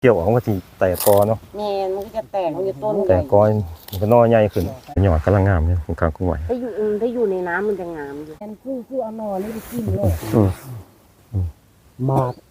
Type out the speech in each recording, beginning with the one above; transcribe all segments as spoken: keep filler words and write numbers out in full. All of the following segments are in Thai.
เกี่ยวออกมันก็สิแตกกอเนาะแม่มันก็จะแตกมันจะต้นแตกกอมันก็นอใหญ่ขึ้นหยอดกำลังงามเนี่ยของกลางกุ้งไหวถ้าอยู่ถ้าอยู่ในน้ำมันจะงามอยู่กันคือคือเอาหน่อนี่ไปกินเลยหมาก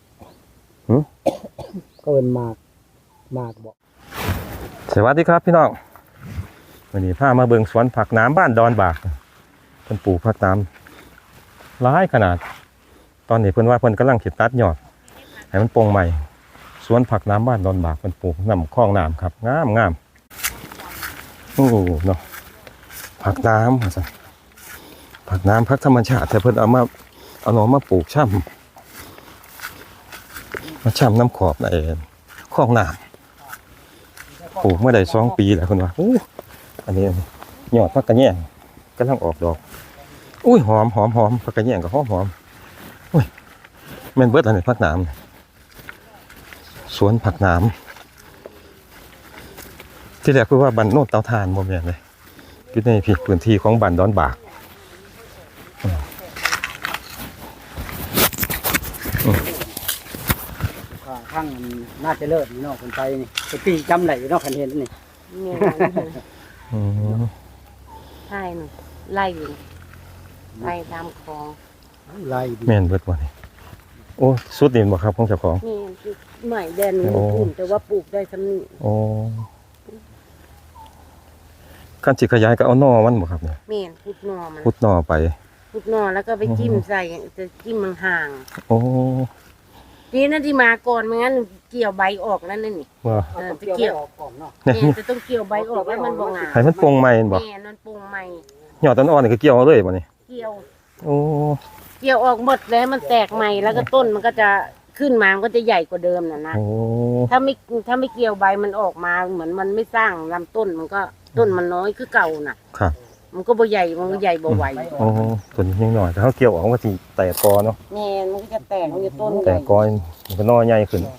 ก็เป็นหมากหมากบอกสวัสดีครับพี่น้องวันนี้พามาเบิ่งสวนผักน้ำบ้านดอนบากเพิ่นปลูกผักน้ำหลายขนาดตอนนี้เพิ่นว่าเพิ่นกำลังสิตัดยอดให้มันโป่งใหม่สวนผักน้ำบ้านดอนบากเพิ่นปลูกน้ำคลองน้ำครับงามงามโอ้เนาะผักน้ำว่าซั่นผักน้ำผักธรรมชาติแต่เพิ่นเอามาเอาหน่อมาปลูกช่ำมาช่ำน้ำขอบในคลองน้ำปลูกเมื่อใดสองปีแล้วเพิ่นว่าอู้อันนี้ยอดผักกระแยงกำลังออกดอกอุ้ยหอมหอมหอมผักกระแยงก็หอมหอมอุ้ยแม่นเบิดอันนี้ผักน้ำสวนผักน้ำที่แรกคือว่าบ้านโนนเตาถ่านบ่แม่นเลยอยู่ในพื้นที่ของบ้านดอนบากข้างมันน่าจะเลิศนี่เนาะคนไปนี่ไปปีจำไหลเนาะคันเห็นนี่เนี่ยใช่หนูไล่อยู่ไล่ตามคลองไล่แม่นเบิดบ่นี่โอ้สุดนี่บ่ครับของเจ้าของนี่ใหม่แดนอุ่นแต่ว่าปลูกได้สำนีโอ้ขั้นสิขยายก็เอาหน่อมันบ่ครับเนี่ยแม่นพุดหน่อมันพุดหน่อไปพุดหน่อแล้วก็ไปจิ้มใส่จะจิ้มห่างๆโอ้นี่นั่นที่มาก่อนไม่งั้นเกี่ยวใบออกนั่นนี่ว่าไปเกี่ยวออกเนาะเนี่ยจะต้องเกี่ยวใบออกแล้วมันบ่งามให้มันปงใหม่บ่แม่มันปงใหม่ยอดต้นอ่อนนี่ก็เกี่ยวเอาเลยบ่นี่เกี่ยวโอ้เกี่ยวออกหมดแล้วมันแตกใหม่แล้วก็ต้นมันก็จะขึ้นมามันก็จะใหญ่กว่าเดิมน่ะนะถ้าไม่ถ้าไม่เกี่ยวใบมันออกมาเหมือนมันไม่สร้างลำต้นมันก็ต้นมันน้อยคือเก่าน่ะครับมันก็บ่ใหญ่มันก็ใหญ่บ่ไหวโอ้ต้นยังน้อยแต่เขาเกี่ยวออกมันก็สิแตกกอเนาะแม่มันก็จะแตกมันจะต้นแตกกอมันก็นอใหญ่ขึ้น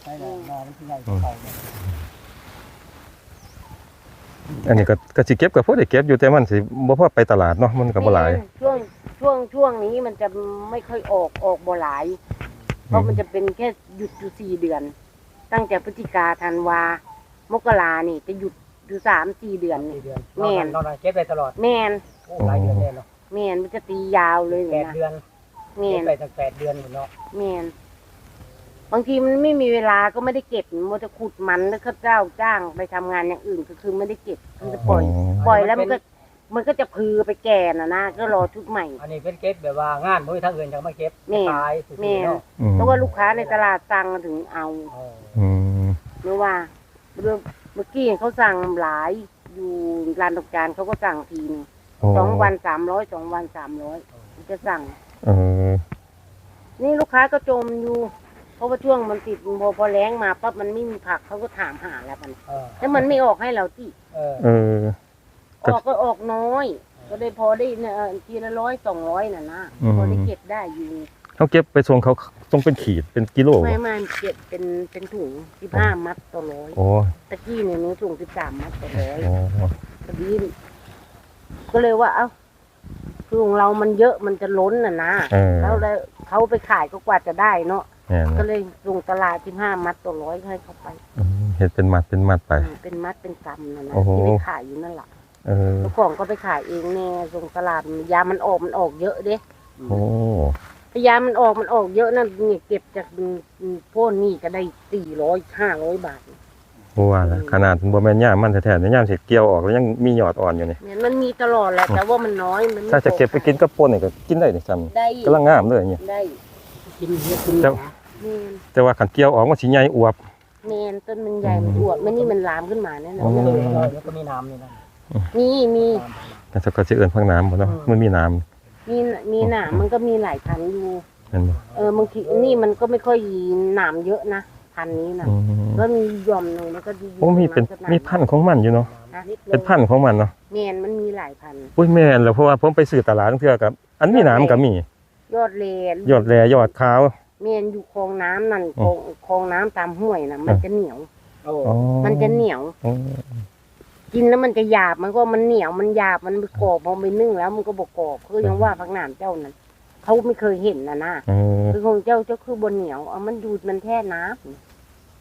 อันนี้ก็ก็สิเก็บก็พอได้เก็บอยู่แต่มันสิบ่พอไปตลาดเนาะมันก็บ่หลายช่วงช่วงช่วงนี้มันจะไม่ค่อยออกออกบ่หลายเพราะมันจะเป็นแค่หยุดอยู่สี่เดือนตั้งแต่พฤศจิกาธันวามกรานี่จะหยุดอยู่สามสี่เดือนนี่แม่นเก็บได้ตลอดแม่นหลายเดือนเลยเนาะแม่นมันจะตียาวเลยแปดเดือนแม่นไปตั้งแปดเดือนเนาะแม่นบางทีมันไม่มีเวลาก็ไม่ได้เก็บมันจะขุดมันแล้วก็เจ้าจ้างไปทำงานอย่างอื่นก็คือไม่ได้เก็บมันจะปล่อยปล่อยแล้วมันก็มันก็จะพือไปแก่น่ะนะก็รอชุดใหม่อันนี้เป็นเก็บแบบว่างานบ่มีทางอื่นจังมาเก็บขายแม่เพราะว่าลูกค้าในตลาดสั่งถึงเอาเมื่อว่าเมื่อกี้เขาสั่งหลายอยู่ร้านดอกจานเขาก็สั่งทีนึงสองวันสามร้อยสองวันสามร้อยจะสั่งนี่ลูกค้าก็จมอยู่เพราะว่าช่วงมันติดพอพอแรงมาปั๊บมันไม่มีผักเขาก็ถามหาแล้วมันแล้วมันไม่ออกให้เราที่ออกก็ออกน้อยก็ได้พอได้เนี่ยทีละร้อยสองร้อยน่ะนะพอได้เก็บได้อยู่เขาเก็บไปส่งเขาต้องเป็นขีดเป็นกิโลไม่ไม่เก็บเป็นเป็นถุงสิบห้ามัดต่อร้อยตะกี้เนี่ยหนูถุงสิบสามมัดต่อร้อยพอดีก็เลยว่าเอ้าคือของเรามันเยอะมันจะล้นน่ะนะแล้วแล้วเขาไปขายก็กว่าจะได้เนาะก็เลยส่งตลาดสิบห้ามัดต่อร้อยให้เขาไปเห็ดเป็นมัดเป็นมัดไปเป็นมัดเป็นกำน่ะนะที่ไปขายอยู่นั่นแหละเจ้าของก็ไปขายเองแน่ส่งตลาดยามันออกมันออกเยอะเด้โอ้ยามันออกมันออกเยอะนั่นเนี่ยเก็บจากโพ่นนี่ก็ได้สี่ร้อยห้าร้อยบาทโอ้ว่าขนาดบ่แม่นย่ามันแท้ๆเนี่ยย่ามเสร็จเกี่ยวออกแล้วยังมียอดอ่อนอยู่นี่มันมีตลอดแหละแต่ว่ามันน้อยมันถ้าจะเก็บไปกินกับป่นนี่ก็กินได้นี่ซ้ำกำลังงามเลยเนี่ยได้กินเยอะกินแต่ว่าขันเกี่ยวออกมันสิใหญ่อวบแม่นต้นมันใหญ่มันอวบมันนี่มันลามขึ้นมาแน่นอนแล้วก็มีน้ำนี่นะมีมีแต่ถ้าก็จะเอิ้นพักน้ำบ่เนาะมันมีน้ำมีมีหนามมันก็มีหลายพันอยู่เออบางทีนี่มันก็ไม่ค่อยหนามเยอะนะพันนี้นะก็มีย่อมหนึ่งแล้วก็ดีโอ้มีเป็นมีพันของมันอยู่เนาะเป็นพันของมันเนาะแม่นมันมีหลายพันอุ้ยแม่นแล้วเพราะว่าผมไปซื้อตลาดเทื่อกับอันมีน้ำก็มียอดแลยอดแลยอดขาวแม่นอยู่คลองน้ำนั่นคลองคลองน้ำตามห้วยน่ะมันจะเหนียวมันจะเหนียวกินแล้วมันจะหยาบมันก็มันเหนียวมันหยาบมันกรอบพอไปนึ่งแล้วมันก็บกรอบคือยังว่าพักหนามเจ้านั้นเขาไม่เคยเห็นนะนะคือของเจ้าเจ้าคือบนเหนียวเอามันดูดมันแท่น้ำ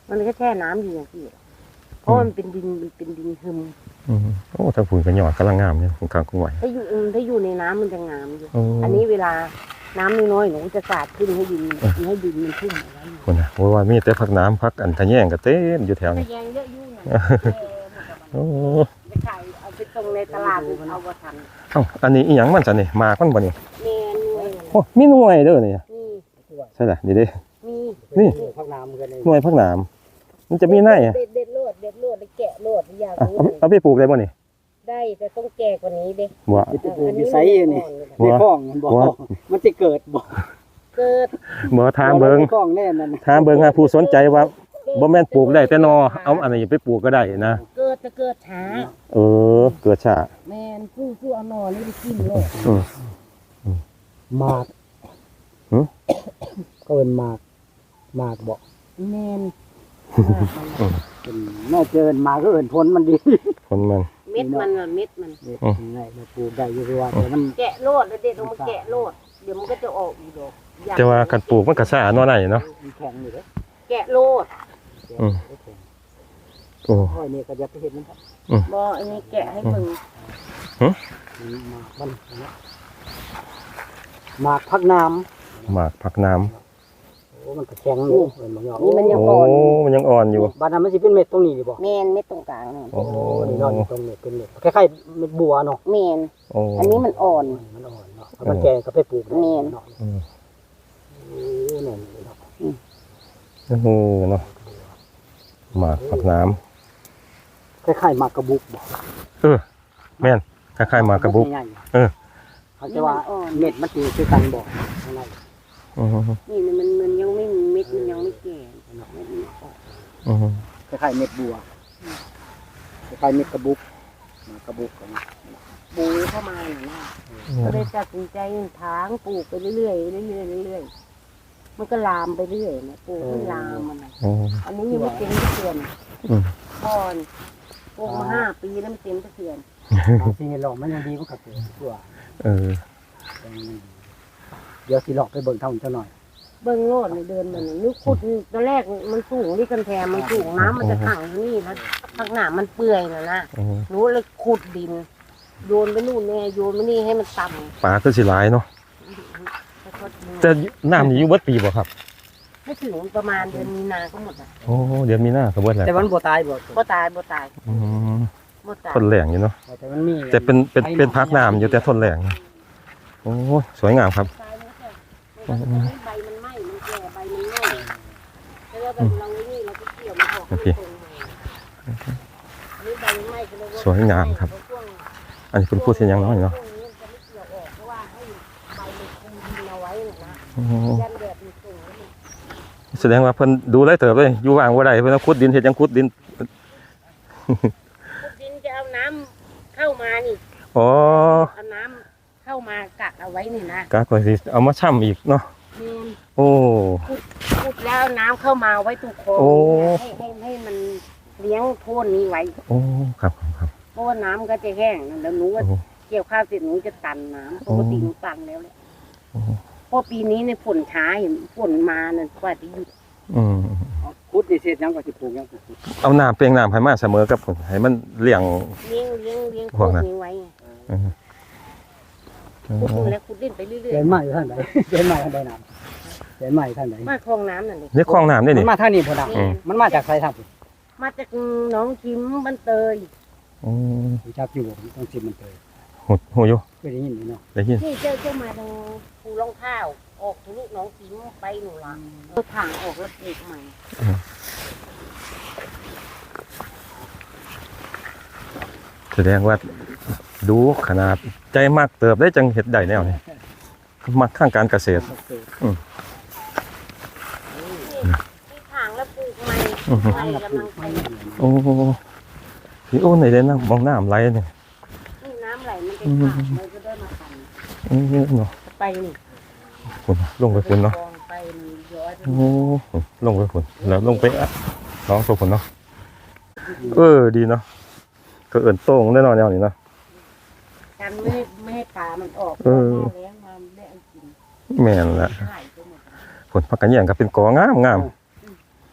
มันก็แช่น้ำอยู่อย่างที่เพราะมันเป็นดินมันเป็นดินหึมอืมโอ้ถ้าผุนก็ยอดกำลังงามเนี่ยกลางกุ้งไหวถ้าอยู่ถ้าอยู่ในน้ำมันจะงามอยู่โอ้อันนี้เวลาน้ำน้อยๆหนูจะสาดขึ้นให้ดินให้ดินมันชุ่มเอาไว้คนนะว่าว่ามีแต่พักน้ำพักอันทะแยงก็เต็มอยู่แถวทะนี้แยงเยอะยุ่งนะโอ้ไปขายเอาไปตรงในตลาดเอาบ่ทันเอ้าอันนี้อีหยังมันซะนี่หมากมันบ่นี่แม่นวยโอ้มีหน่วยเด้อนี่นี่ใช่ล่ะนี่เด้มีนี่พักน้ำกันเลยหน่วยพักน้ำมันจะมีในอ่ะเด็ดเด็ดโลดเด็ดโลดแล้วแกะโลดอยากอ่ะรู้เอาเอาไปปลูกได้บ่นี่ได้แต่ต้องแก่กว่านี้เด้บ่ไปปลูกอยู่ไสนี่หัในวคลองมันบ่หัวมันสิเกิดบ่เกิดบ่ทางเบิงในคลองแน่นั่นทางเบิงหาผู้สนใจว่าบ่แม่นปลูกได้แต่นอเอาอันนี้ไปปลูกก็ได้นะเกิดจะเกิดช้าเออเกิดช้าแม่นผู้ผู้เอาหนอนี่ไปกินโลดอืมหมากหึก็เป็นหมากหมากบ่แม่นเป็นน่าเจอหมากก็เอิ้นผลมันดีคนมันเม็ดมันน่ะเม็ดมันนี่ง่ายมาปลูกได้อยู่ว่าแต่มันแกะโลดแล้วเด็ดลงมาแกะโลดเดี๋ยวมันก็จะออกอีกดอกอยกแต่ว่าคันปลูกมันก็ช้าเนาะไหนเนาะมันแข็งอยู่เด้อแกะโลดอืม โอ้ค่อยนี่ก็จะไปเห็นมันครับบ่อันนี้แกะให้เบิ่งหมากมันนะหมากพักน้ำหมากผักน้ำโอ้มันก็แข็งอยู่เห็นบ่ยอมนี่มันยังโอ้อ่อนอยู่มันยังอ่อนอยู่บ้านนั้นมันสิเป็นเม็ดตรงนี้ดิบ่แมนเม็ดตรงกลางนั่นโอ้โอ้นี่เนาะนี่ตรงเม็ดเป็นเม็ดคล้ายๆเม็ดบัวเนาะแมนโอ้อันนี้มันอ่อนมันอ่อนเนาะถ้ามันแก่ก็ไปปลูกได้แม่นเนาะอืมโอ้นั่นเนาะโอ้โหเนาะหมากผักน้คล้ายๆหมากกระบุกบ่ำเออแม่นคล้ายๆหมากกระบุกใหญ่ๆเออเขาจะว่าเม็ดมันสิคือกันบ่ข้างในอือฮึนี่มันมันยังไม่มีเม็ดมันยังไม่แก่เม็ดมันออกอือฮึคล้ายๆเม็ดบัวคล้ายๆเม็ดกระบุกหมากกระบุกนะปูเข้ามาน่ะนะก็เลยตัดสินใจถางปลูกไปเรื่อยๆเรื่อยๆเรื่อยๆมันก็ลามไปเรื่อยนะปลูกมันลามมันน่ะโอ้อันนี้ยังไม่เต็มทุกเดือนอืมก่อนปลูกมาห้าปีแล้วมันเต็มทุกเดือนบางทีหลอกมันยังดีมันก็เกิดตัวเออเดี๋ยวสิหลอกไปเบิ่งเท่าเจ้าหน่อยเบิ้งโลดในเดินมันน่ะนึกขุดตอนแรกมันสูงนี่กันแทนมันสูงน้ำมันจะขังที่นี่แล้วข้างหน้ามันเปื่อยนะนะอือฮึหนูเลยขุดดิน โยนไปนู่นแน่โยนไปนี่ให้มันต่ปลาคือสิหลายเนาะำแล้วก็ดูแต่น้ำนี่อยู่เบิดปีบ่ครับไม่ถึงประมาณเดือนมีนาก็หมดอ่ะโอ้เดี๋ยวมีหน้าก็เบิดแล้วแต่มันบ่ตายบ่บ่ตายบ่ตายอืมบ่ตายทนแรงอยู่เนาะแต่มันมีแต่เป็นเป็นเป็นพักน้ำอยู่แต่ทนแรงโอ้สวยงามครับตายแล้วแต่มันก็จะใบมันไหม้มันแก่ใบมันไหม้แล้วแบบเราไอ้นี่เราก็เกี่ยวมันออกโอเคตรงๆอันนี้ใบมันไหม้ก็เลยสวยงามครับ อันนี้คุณพูดเสียงยังน้อยเนาะช่วงนี้จะไม่เกี่ยวออกเพราะว่าให้ใบมันคุมดินเอาไว้น่ะนะโอ้ยันแดดมันส่งแล้วมันแสดงว่าเพิ่นดูไรเติบเลยอยู่ว่างบ่ได้เพิ่นเอาขุดดินเฮ็ดหยังขุดดินขุดดินจะเอาน้ำเข้ามานี่อ๋อเอาน้ำเข้ามากักเอาไว้นี่นะกากว่าสิเอามาช่ำอีกเนาะนี่โอ้ขุดแล้วเอาน้ำเข้ามาไว้ตรงคลองโอ้ให้ให้ให้มันเลี้ยงโพ่นนี้ไว้โอ้ครับครับครับเพราะว่าน้ำก็จะแห้งแล้วหนูก็โอ้เกี่ยวข้าวเสร็จหนูจะตันน้ำปกติหนูตันแล้วแหละโอ้เพราะปีนี้ในยฝนช้าเห็นฝนมาเนี่ยกว่าจะหยุดอืมคุดนี่เสร็จยังก็สิปลูกยังปลูกเอาน้ำเปลียงน้ำให้มาเสมอกับผมให้มันเลี้ยงเลี้ยงเลี้ยงเลี้ยงพพววกกนั้นนี้ไว้ไงอืมขุดดินแล้วขุดดินไปเรื่อยเดินมาอยู่ท่านใดเดินมาท่านใดน้ำเดินมาอยู่ท่านใดๆมาคลองน้ำนั่นเลยนี่คลองน้ำนี่มันี่นมาทางนี้พุ่นน่ะอืมมันมาจากไสทางพุ่นมาจากหน้องคิมบ้านเตยอืมรู้จักอยู่ผมต้องสิมันเตยโหโหอยู่เคยได้ยินอยู่เนาะได้ยินนี่เจ้าเจ้ามาทางภูรองข้าว ออกทะลุหน้องคิมไปหนูละเอาถังออกแล้วปลูกใหม่แสดงว่าดูขนาดใจมากเติบได้จังเฮ็ดได้แนวนี้มักข้างการเกษตรที่ถังแล้วปลูกใหม่อือฮึใหม่กำลังไปโอ้พี่โอ้ไหนเด้นะมองน้ำไหลเนี่ยนี่น้ำไหลมันจะขาดมันก็ได้มาขันอืมเนาะไปนี่คุณลงไปคุณเนาะคลองไปนี่ย้อยไปโอ้ลงไปคุณแล้วลงไปอ่ะน้องตัวคุณเนาะเออดีเนาะก็เอิ่นโต้งแน่นอนแนวนี้เนาะกันไม่ให้ไม่ให้ปลามันออกเออหน้าแล้งมาได้อันกินแม่นละหายไปหมดผลพักกันแย่งก็เป็นกองามงามเ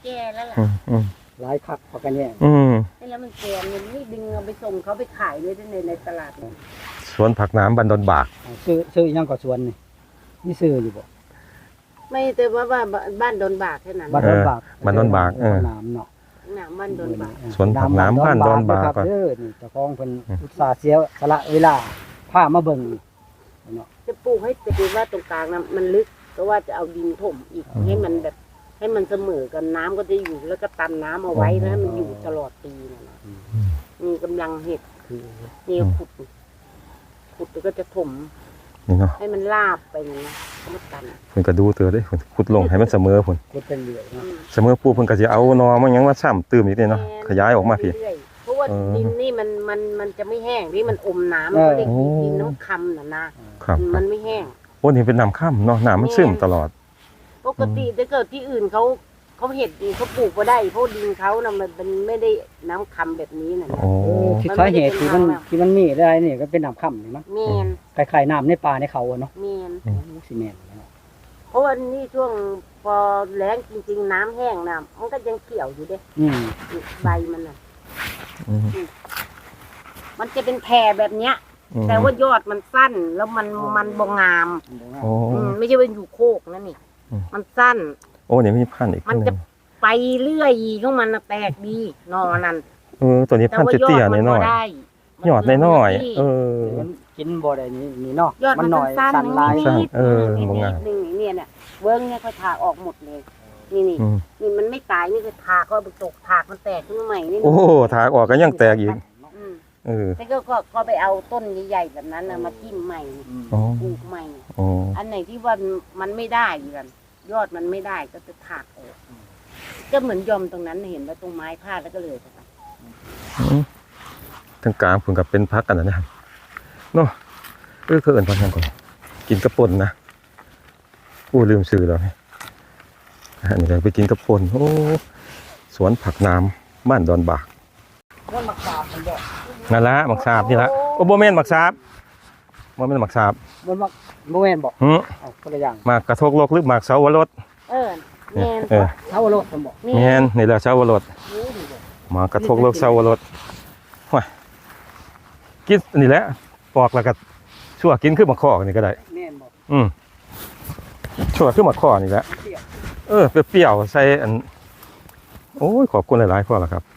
แก่แล้วล่ะอืมอืมหลายคักพอกันแย่งอืมแล้วมันแก่มันนี่ดึงเอาไปส่งเขาไปขายเลยในในตลาดเนี่ยสวนผักน้ำบ้านดอนบากอ่าซื้อซื้ออีหยังก็สวนนี่มีซื้ออยู่บ่ไม่แต่ว่าว่าบ้านดอนบากแค่นั้นบ้านดอนบากบ้านดอนบากเออน้ำเนาะหนาบ้านดอนบากสวนผักน้ำบ้านดอนบากครับเด้อนี่เจ้าของเพิ่นอุตส่าห์เสียสละเวลาพามาเบิ่งเนาะจะปลูกให้แต่ว่าตรงกลางนะมันลึกเพราะว่าจะเอาดินถมอีกให้มันแบบ ให้มันเสมอกันน้ำก็จะอยู่แล้วก็ตันน้ำเอาไว้แล้วให้มันอยู่ตลอดปีนะนะมีกำลังเห็ดคือนี่ขุด ขุดแล้วก็จะถมนี่เนาะให้มันลาบไปอย่างนะแล้วมันตันเพิ่นก็ดูเตือเด้เพิ่นขุดลงให้มันเสมอพุ่นขุดเป็นเรื่อยอืเนาะมเสมอปุ๊บเพิ่นก็สิเอานอมันหยังมาซ้ำตื้มอีกนี่เนาะขยายออกมาพี่เรื่อยๆเพราะว่าเออดินนี่มันมันมันจะไม่แห้งที่มันอมน้ำมันก็เรียกโอ้ดินน้ำคำน่ะนะครับครัมับนไม่แห้งโอ้นี่เป็นน้ำค่ำเนาะน้ำมันซึมตลอดปกติถ้าเกิดที่อื่นเขาเขาเห็ดดีเขาปลูกก็ได้เพราะดินเขานะมันเป็นไม่ได้น้ำคำแบบนี้นะนะโอ้เออที่สาเหตุที่มันที่มันมีได้นี่ก็เป็นน้ำค่ำนี่มั้งเมนคล้ายๆน้ำในป่าในเขาอะเนาะเมนโอ้สิแม่นเนาะเพราะว่านี่ช่วงพอแล้งจริง ๆ น้ำแห้งนะมันก็ยังเขียวอยู่เด้อืมใบมันน่ะอืมมันจะเป็นแพรแบบเนี้ยอืมแต่ว่ายอดมันสั้นแล้วมันมันบงงามโอ้อืมไม่ใช่เป็นอยู่โคกนั่นนี่อืมมันสั้นโอ้นี่มีพันธุ์อีกมันหจะงไปเรื่อยของมันน่ะแตกดีนอนั่นเออตัวนี้แต่พันธุ์ว่ายอเตี้ยดๆมันน้ก็อยได้ๆยอดน้อยๆเออมันกินบ่ได้นี่นี่เนาะยอดมันหน่อยสั้นสั่นลายนิดสั้นนิดเออนิดบงงามนิดนึงเนี่ยเนี่ยเวิ้งเนี่ยเขาถากออกหมดเลย นี่นี่อืมนี่มันไม่ตายนี่คือถากก็เอาไปตกถากมันแตกขึ้นมาใหม่นี่โอ้ถากออกก็ยังแตกอีกอืมเออแต่ก็ก็ก็ไปเอาต้นใหญ่ๆแบบนั้นนะมาทิ่มใหม่อ๋อปลูกใหม่อ๋ออันไหนที่ว่ามันไม่ได้กันยอดมันไม่ได้ก็จะถากออกก็เหมือนยอมตรงนั้นเห็นว่าตรงไม้พาดแล้วก็เลยไปอืมทั้งกลางผมกับเป็นพักกันนะนะครับเนาะเออคือเอินพักกันก่อนกินกระป่นนะอู้ลืมซื้อแล้วนี่อันนี้เราไปกินกระป่นโอ้สวนผักน้ำบ้านดอนบากมันมักสาบมันบ่นั่นละหมักสาบนี่ละโอ้โบเมนหมักสาบโบเมนหมักสาบมันมักบ่แม่นบ่หืมเอาคนละอย่างหมากกระทกโลกหรือหมากเสาวรสเออแมนเออเท่าโลดมันบ่แมนนี่แหละเสาวรสหมากกระทกโลกเสาวรสว้ายกินนี่แหละปอกแล้วก็ชั่วกินขึ้นมาข้อนี่ก็ได้แม่นบ่อืมชั่วขึ้นมาข้อนี่แหละเปรี้ยวเออเปรี้ยวๆใส่อันโอ้ยขอบคุณหลายๆพ่อละครับ